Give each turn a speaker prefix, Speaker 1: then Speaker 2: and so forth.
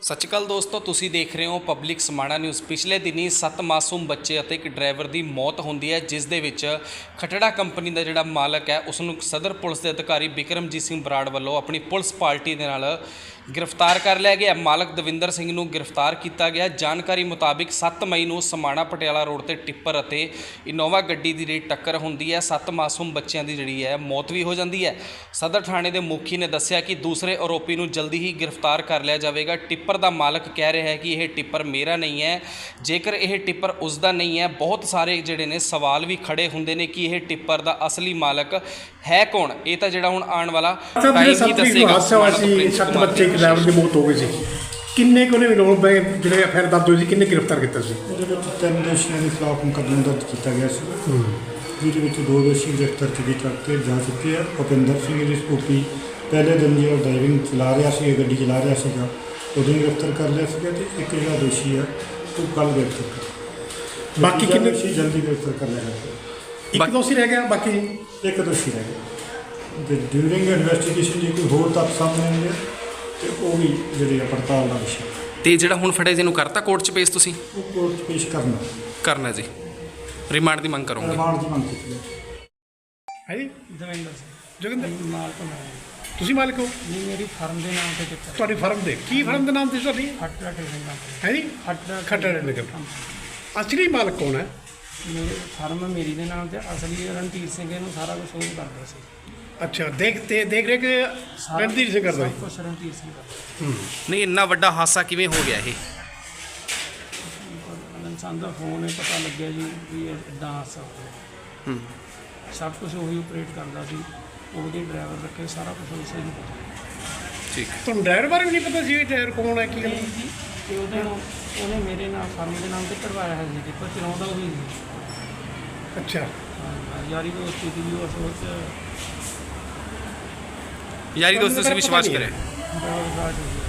Speaker 1: ਸਤਿ ਸ਼੍ਰੀ ਅਕਾਲ ਦੋਸਤੋ, ਤੁਸੀਂ ਦੇਖ ਰਹੇ ਹੋ ਪਬਲਿਕ ਸਮਾਣਾ ਨਿਊਜ਼। ਪਿਛਲੇ ਦਿਨੀ 7 ਮਾਸੂਮ ਬੱਚੇ ਅਤੇ ਇੱਕ ਡਰਾਈਵਰ ਦੀ ਮੌਤ ਹੁੰਦੀ ਹੈ, ਜਿਸ ਦੇ ਵਿੱਚ ਖਟੜਾ ਕੰਪਨੀ ਦਾ ਜਿਹੜਾ ਮਾਲਕ ਹੈ ਉਸ ਨੂੰ ਸਦਰ ਪੁਲਿਸ ਦੇ ਅਧਿਕਾਰੀ ਬਿਕਰਮਜੀਤ ਸਿੰਘ ਬਰਾੜ ਵੱਲੋਂ ਆਪਣੀ ਪੁਲਿਸ ਪਾਰਟੀ ਦੇ ਨਾਲ ਗ੍ਰਿਫਤਾਰ ਕਰ ਲਿਆ ਗਿਆ। ਮਾਲਕ ਦਵਿੰਦਰ ਸਿੰਘ ਨੂੰ ਗ੍ਰਿਫਤਾਰ ਕੀਤਾ ਗਿਆ। ਜਾਣਕਾਰੀ ਮੁਤਾਬਿਕ 7 ਮਈ ਨੂੰ ਸਮਾਣਾ ਪਟਿਆਲਾ ਰੋਡ ਤੇ ਟਿੱਪਰ ਅਤੇ ਇਨੋਵਾ ਗੱਡੀ ਦੀ ਜਿਹੜੀ ਟੱਕਰ ਹੁੰਦੀ ਹੈ। 7 ਮਾਸੂਮ ਬੱਚਿਆਂ ਦੀ ਜਿਹੜੀ ਹੈ ਮੌਤ ਵੀ ਹੋ ਜਾਂਦੀ ਹੈ। ਸਦਰ ਥਾਣੇ ਦੇ ਮੁਖੀ ਨੇ ਦੱਸਿਆ ਕਿ ਦੂਸਰੇ ਆਰੋਪੀ ਨੂੰ ਜਲਦੀ ਹੀ ਗ੍ਰਿਫਤਾਰ ਕਰ ਲਿਆ ਜਾਵੇਗਾ। ਟਿੱਪਰ ਦਾ ਮਾਲਕ ਕਹਿ ਰਿਹਾ ਹੈ ਕਿ ਇਹ ਟਿੱਪਰ ਮੇਰਾ ਨਹੀਂ ਹੈ। ਜੇਕਰ ਇਹ ਟਿੱਪਰ ਉਸ ਦਾ ਨਹੀਂ ਹੈ, ਬਹੁਤ ਸਾਰੇ ਜਿਹੜੇ ਨੇ ਸਵਾਲ ਵੀ ਖੜੇ ਹੁੰਦੇ ਨੇ ਕਿ ਇਹ ਟਿੱਪਰ ਦਾ ਅਸਲੀ ਮਾਲਕ ਹੈ ਕੌਣ। ਇਹ ਤਾਂ ਜਿਹੜਾ ਹੁਣ ਆਉਣ ਵਾਲਾ ਟਾਈਮ ਹੀ ਦੱਸੇਗਾ।
Speaker 2: 7 ਬੱਚੇ ਡਰਾਈਵਰ ਦੀ ਮੌਤ ਹੋ ਗਈ ਸੀ। ਕਿੰਨੇ ਕੋਨੇ ਵਿਰੋਧ ਜਿਹੜੇ ਫਿਰ ਦਰਜ ਹੋਏ ਸੀ, ਕਿੰਨੇ ਗ੍ਰਿਫਤਾਰ ਕੀਤਾ ਸੀ?
Speaker 3: ਉਹਦੇ ਵਿੱਚ 3 ਦੋਸ਼ੀਆਂ ਦੇ ਖਿਲਾਫ ਮੁਕੱਦਮਾ ਦਰਜ ਕੀਤਾ ਗਿਆ ਸੀ, ਜਿਹਦੇ ਵਿੱਚ 2 ਦੋਸ਼ੀ ਗ੍ਰਿਫਤਾਰ ਕਰਕੇ ਜਾ ਚੁੱਕੇ ਆ। ਭੁਪਿੰਦਰ ਸਿੰਘ ਦੀ ਸਕੂਪੀ ਪਹਿਲੇ ਦਿਨ ਜੀ ਉਹ ਡਰਾਈਵਿੰਗ ਚਲਾ ਰਿਹਾ ਸੀ, ਗੱਡੀ ਚਲਾ ਰਿਹਾ ਸੀਗਾ, ਉਦੋਂ ਹੀ ਗ੍ਰਿਫਤਾਰ ਕਰ ਲਿਆ ਸੀਗਾ। ਅਤੇ ਇੱਕ ਜਿਹੜਾ ਦੋਸ਼ੀ ਆ ਉਹ ਕੱਲ੍ਹ ਗ੍ਰਿਫਤਾਰ ਕਰ।
Speaker 2: ਬਾਕੀ ਕਿੰਨੇ
Speaker 3: ਦੋਸ਼ੀ ਜਲਦੀ ਗ੍ਰਿਫਤਾਰ ਕਰ ਲਿਆ ਗਿਆ।
Speaker 2: ਇੱਕ ਦੋਸ਼ੀ ਰਹਿ ਗਿਆ, ਬਾਕੀ
Speaker 3: ਇੱਕ ਦੋਸ਼ੀ ਰਹਿ ਗਿਆ। ਅਤੇ ਡਿਊਰਿੰਗ ਇਨਵੈਸਟੀਗੇਸ਼ਨ ਜੇ ਕੋਈ ਹੋਰ ਤੱਥ ਸਾਹਮਣੇ ਆਉਂਦੇ ਆ ਅਤੇ ਉਹ ਵੀ ਜਿਹੜੀ ਆ ਪੜਤਾਲ ਦਾ ਵਿਸ਼ਾ।
Speaker 1: ਤੇ ਜਿਹੜਾ ਹੁਣ ਫੜੇ ਜਿਹਨੂੰ ਕਰਤਾ ਕੋਰਟ 'ਚ ਪੇਸ਼ ਤੁਸੀਂ
Speaker 3: ਉਹ ਕੋਰਟ 'ਚ ਪੇਸ਼
Speaker 1: ਕਰਨਾ ਜੀ, ਰਿਮਾਂਡ ਦੀ ਮੰਗ ਕਰੋਗੇ?
Speaker 3: ਰਿਮਾਂਡ ਦੀ ਮੰਗ ਕੀਤੀ ਹੈ।
Speaker 2: ਹੈ ਜੀ
Speaker 4: ਦਵਿੰਦਰ ਸਿੰਘ
Speaker 2: ਜੋਗਿੰਦਰ,
Speaker 4: ਮਾਲਕ ਮੈਂ
Speaker 2: ਤੁਸੀਂ ਮਾਲਕ ਹੋ?
Speaker 4: ਨਹੀਂ, ਮੇਰੀ ਫਰਮ ਦੇ ਨਾਮ ਤੇ ਟਿੱਪਰ
Speaker 2: ਤੁਹਾਡੀ ਫਰਮ ਦੇ ਕੀ ਫਰਮ ਦੇ ਨਾਮ ਤੇ ਤੁਹਾਡੀ
Speaker 4: ਖਟੜਾ ਟ੍ਰੇਡਿੰਗ ਕੰਪਨੀ।
Speaker 2: ਹੈ ਜੀ ਖੱਟੜ ਨਿਗਮ। ਅਸਲੀ ਮਾਲਕ ਕੌਣ ਹੈ?
Speaker 4: ਮੇਰੇ ਫਰਮ ਮੇਰੀ ਦੇ ਨਾਮ ਤੇ, ਅਸਲੀ ਰਣਧੀਰ ਸਿੰਘ ਇਹਨੂੰ ਸਾਰਾ ਕੁਝ ਉਹ ਕਰਦਾ ਸੀ।
Speaker 2: ਅੱਛਾ, ਦੇਖ ਰਹੇ ਕਿ ਰਣਧੀਰ ਸਿੰਘ ਕਰਦਾ
Speaker 4: ਸਭ ਕੁਛ ਰਣਧੀਰ ਸਿੰਘ ਕਰਦਾ।
Speaker 1: ਨਹੀਂ, ਇੰਨਾ ਵੱਡਾ ਹਾਦਸਾ ਕਿਵੇਂ ਹੋ ਗਿਆ ਇਹ?
Speaker 4: ਇਨਸਾਨ ਦਾ ਫੋਨ ਹੈ, ਪਤਾ ਲੱਗਿਆ ਜੀ ਵੀ ਇੱਦਾਂ ਹਾਦਸਾ ਹੋ ਗਿਆ। ਸਭ ਕੁਝ ਉਹੀ ਆਪਰੇਟ ਕਰਦਾ ਸੀ, ਉਹਦੇ ਡਰਾਈਵਰ ਰੱਖੇ, ਸਾਰਾ ਕੁਝ ਉਸੇ ਨੂੰ ਪਤਾ।
Speaker 1: ਠੀਕ।
Speaker 2: ਤੁਹਾਨੂੰ ਡਰਾਈਵਰ ਬਾਰੇ ਵੀ ਨਹੀਂ ਪਤਾ ਸੀ ਇਹ ਡਰਾਈਵਰ ਕੌਣ ਹੈ, ਕੀ ਗੱਲ?
Speaker 4: ਜੀ ਤੇ ਉਹਨੇ ਮੇਰੇ ਨਾਲ ਫਰਮ ਦੇ ਨਾਮ ਤੇ ਕਰਵਾਇਆ ਹੈ ਜੀ, ਟਿੱਪਰ ਚਲਾਉਂਦਾ ਉਹੀ ਸੀ।
Speaker 2: ਅੱਛਾ,
Speaker 4: ਯਾਰੀ ਦੋਸਤੀ ਦੀ ਵੀ ਉਸ ਵਿੱਚ
Speaker 1: ਯਾਰੀ ਦੋਸਤ ਤੁਸੀਂ ਵਿਸ਼ਵਾਸ ਕਰਿਆ?
Speaker 4: ਬਹੁਤ